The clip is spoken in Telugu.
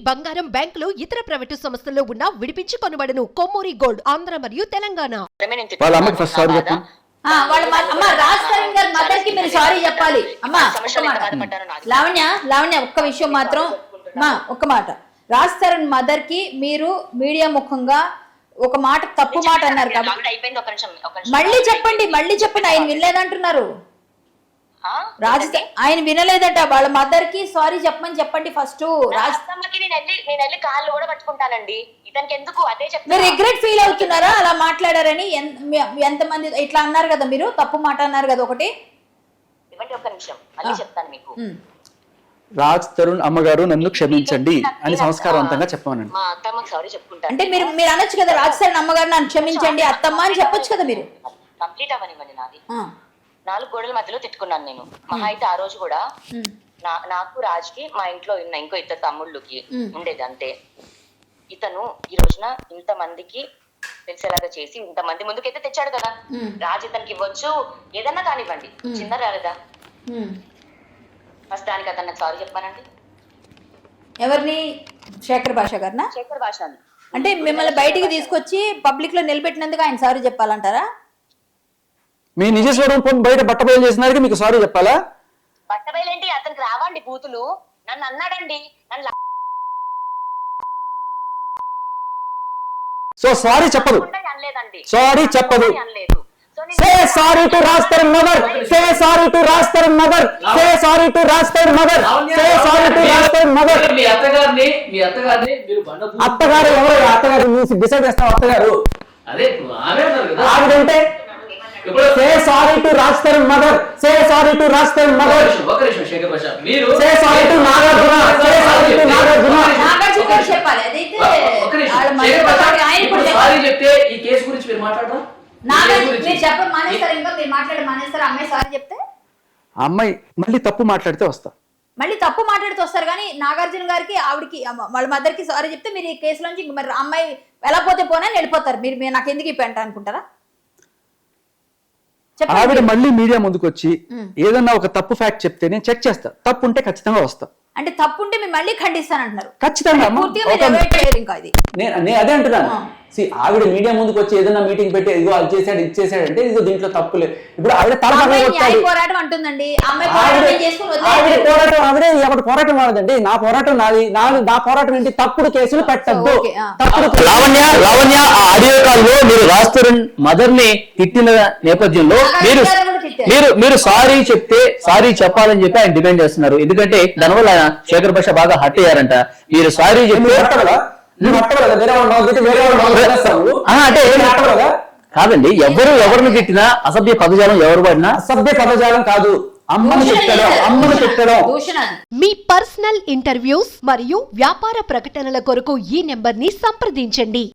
బంగారం బ్యాంకులు ఇతర ప్రైవేటు సంస్థల్లో ఉన్న విడిపించి కొనబడను. కొమ్మూరి గోల్డ్ ఆంధ్ర మరియు తెలంగాణ. వాళ్ళ అమ్మకి ఫస్ట్ సారీ చెప్పండి. రాజ్ తరుణ్ గారి మదర్ కి మీరు సారీ చెప్పాలి. అమ్మా లావణ్య ఒక్క విషయం మాత్రం ఒక్క మాట, రాజ్ తరుణ్ మదర్ కి మీరు మీడియా ముఖంగా ఒక మాట తప్పు మాట అన్నారు కాబట్టి మళ్ళీ చెప్పండి ఆయన వినలేదంటున్నారు. ఆయన వినలేదట. వాళ్ళ మదర్ కి సారీ చెప్పండి ఫస్ట్. కాళ్ళు కూడా పట్టుకుంటానండి. ఇతనికి ఎందుకు అదే చెప్తాను. మీరు రిగ్రెట్ ఫీల్ అవుతున్నారా అలా మాట్లాడారని? ఎంతమంది ఇట్లా అన్నారు కదా, మీరు తప్పు మాట అన్నారు కదా ఒకటి. ఇవ్వండి ఒక్క నిమిషం, మళ్ళీ చెప్తాను మీకు. రాజ్ తరుణ్ అమ్మగారు నన్ను క్షమించండి అని సంస్కారవంతంగా చెప్పమనండి. మా అత్తమ్మకి సారీ చెప్పుకుంటాను. అంటే మీరు అనొచ్చు కదా, రాజ్ తరుణ్ అమ్మగారు నన్ను క్షమించండి అత్తమ్మ అని చెప్పొచ్చు కదా మీరు. కంప్లీట్ అవ్వనివ్వండి. నాది 4 గోడల మధ్యలో తిట్టుకున్నాను నేను. మహా అయితే ఆ రోజు కూడా నాకు రాజ్ కి మా ఇంట్లో ఉన్న ఇంకో 2 తమ్ముళ్ళకి ఉండేది అంతే. ఇతను ఈ రోజున ఇంత మందికి తెలిసేలాగా చేసి ఇంతమంది ముందుకైతే తెచ్చాడు కదా. రాజ్ ఇతనికి ఇవ్వచ్చు, ఏదన్నా కానివ్వండి, చిన్న రాలేదా ఫస్ట్ దానికి అతను నాకు సారీ చెప్పానండి. ఎవరిని? శేఖర్ భాష గారినా? శేఖర్ భాష. అంటే మిమ్మల్ని బయటికి తీసుకొచ్చి పబ్లిక్ లో నిలబెట్టినందుకు ఆయన సారీ చెప్పాలంటారా? మీ నిజ స్వరూపం బయట బట్టబయలు చేసినారికి మీకు సారీ చెప్పాలా? బట్టబయలేంటి, అతనికి రావండి బూతులు. నన్ను అన్నాడండి. సో సారీ చెప్పదు, అనలేదండి. సారీ చెప్పదు. అనలేదు. Say sorry to Raj Tarun mother. Say sorry to Raj Tarun mother. Say sorry to Raj Tarun mother. Say sorry to Raj Tarun mother. మీ అత్తగారిని మీరు అత్తగారు ఎవరు? అత్తగారు మీరు డిసైడ్ చేస్తాం. అత్తగారు అదే ఆమె అన్నారు కదా. ఆవిడంటే Say sorry to Raj Tarun mother. Say sorry to Raj Tarun mother. ఒక నిమిషం శేఖర్ భాష, మీరు Say sorry to Nagarjuna. Say sorry to Nagarjuna. Nagarjuna చెప్పాలి. అదైతే ఒక నిమిషం శేఖర్ భాష, ఇప్పుడు సారీ చెప్తే ఈ కేసు గురించి మీరు మాట్లాడరా? మీరు చెప్పండి మానేస్తారు. ఇంకా మీరు మానేస్తారు. అమ్మాయి సారీ చెప్తే అమ్మాయి మళ్ళీ తప్పు మాట్లాడితే వస్తా. మళ్ళీ తప్పు మాట్లాడుతూ వస్తారు. కానీ నాగార్జున గారికి ఆవిడకి వాళ్ళ మదర్ కి సారీ చెప్తే మీరు ఈ కేసులోంచి మరి అమ్మాయి ఎలా పోతే పోనని వెళ్ళిపోతారు. మీరు నాకు ఎందుకు ఈ పెంట అనుకుంటారా? ఆవిడ మళ్ళీ మీడియా ముందుకు వచ్చి ఏదన్నా ఒక తప్పు ఫ్యాక్ట్ చెప్తే నేను చెక్ చేస్తా. తప్పు ఉంటే ఖచ్చితంగా వస్తా. అంటే తప్పు ఉంటే మీరు మళ్ళీ ఖండిస్తానంటున్నారు. ఖచ్చితంగా నేను అదే అంటున్నాను. ఆవిడ మీడియా ముందుకు వచ్చి ఏదైనా మీటింగ్ పెట్టి ఇదిగో అది చేశాడు ఇది చేశాడు అంటే ఇదిగో దీంట్లో తప్పు లేదు. ఇప్పుడు ఆవిడ పోరాటం అంటుందండి. ఆవిడే ఎవరి పోరాటం వాడదండి. నా పోరాటం నాది. నా పోరాటం ఏంటి? తప్పుడు కేసులు పెట్టద్దు. లావణ్య ఆడియో కాల్ లో మీరు రాజ్ తరుణ్ మదర్ ని తిట్టిన నేపథ్యంలో మీరు సారీ చెప్తే సారీ చెప్పాలని చెప్పి ఆయన డిమాండ్ చేస్తున్నారు. ఎందుకంటే దానివల్ల శేఖర్ భాష బాగా హట్ అయ్యారంట. మీరు సారీ చెప్పి అంటే కాదండి, ఎవరిని తిట్టినా అసభ్య పదజాలం ఎవరు పడినా అసభ్య పదజాలం కాదు, అమ్మను తిట్టడం. మీ పర్సనల్ ఇంటర్వ్యూస్ మరియు వ్యాపార ప్రకటనల కొరకు ఈ నెంబర్ ని సంప్రదించండి.